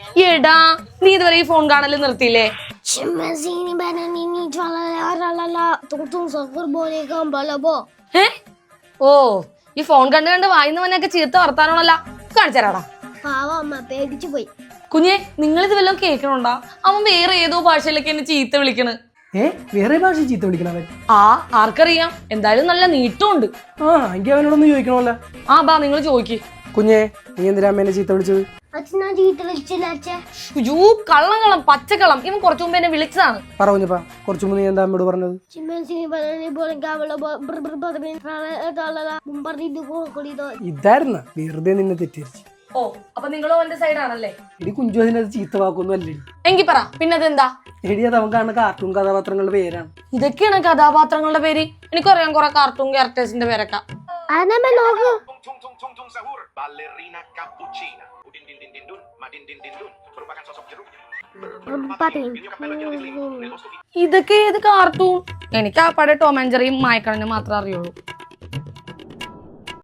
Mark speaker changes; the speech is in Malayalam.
Speaker 1: എടാ നീ ഇതുവരെ ഈ ഫോൺ കാണല് നിർത്തിയില്ലേ? ഓ ഈ ഫോൺ കണ്ട് കണ്ട് വായിന്നവനൊക്കെ ചീത്ത വർത്താനോണല്ല. കാണിച്ചരാടാ.
Speaker 2: പേടിച്ചു പോയി.
Speaker 1: കുഞ്ഞെ നിങ്ങളിത് വല്ലതും കേൾക്കണുണ്ടാ? അവൻ വേറെ ഏതോ ഭാഷയിലൊക്കെ എന്നെ ചീത്ത വിളിക്കണ്.
Speaker 3: വേറെ ഭാഷ ചീത്ത വിളിക്കണവൻ?
Speaker 1: ആർക്കറിയാം, എന്തായാലും നല്ല നീട്ടമുണ്ട്.
Speaker 3: എനിക്ക് അവനോടൊന്ന് ചോദിക്കണമല്ലോ.
Speaker 1: ബാ നിങ്ങൾ ചോദിക്ക്.
Speaker 3: കുഞ്ഞെ നീ എന്തിനാ അമ്മേനെ ചീത്ത വിളിച്ചത്?
Speaker 1: കള്ളം പച്ചക്കള്ളം. ഇവൻ കുറച്ചു മുമ്പ് എന്നെ വിളിച്ചതാണ്.
Speaker 3: പറഞ്ഞപ്പാ കുറച്ചു മുമ്പ് നീ എന്താ അമ്മയോട് പറഞ്ഞത്? ഇതായിരുന്ന വെറുതെ നിന്നെ തെറ്റിദ്ധരിച്ചു.
Speaker 1: ഓ അപ്പൊ നിങ്ങളും എന്റെ സൈഡാണല്ലേ?
Speaker 3: എടി കുഞ്ചു അതിനകത്ത് ചീത്ത വാക്കൊന്നും അല്ലേ.
Speaker 1: എങ്കിൽ പറ പിന്നതെന്താ?
Speaker 3: എടി അത് അവൻ കാണുന്ന കാർട്ടൂൺ കഥാപാത്രങ്ങളുടെ പേരാണ്.
Speaker 1: ഇതൊക്കെയാണ് കഥാപാത്രങ്ങളുടെ പേര്? എനിക്കറിയാം കുറെ കാർട്ടൂൺ ക്യാരക്ടേഴ്സിന്റെ പേരൊക്കെ. ഇതൊക്കെ ഏത് കാർട്ടൂൺ? എനിക്ക് ആ പഴയ ടോം ആൻഡ് ജെറിയും മായക്കണ്ണനും മാത്രമേ അറിയുള്ളൂ.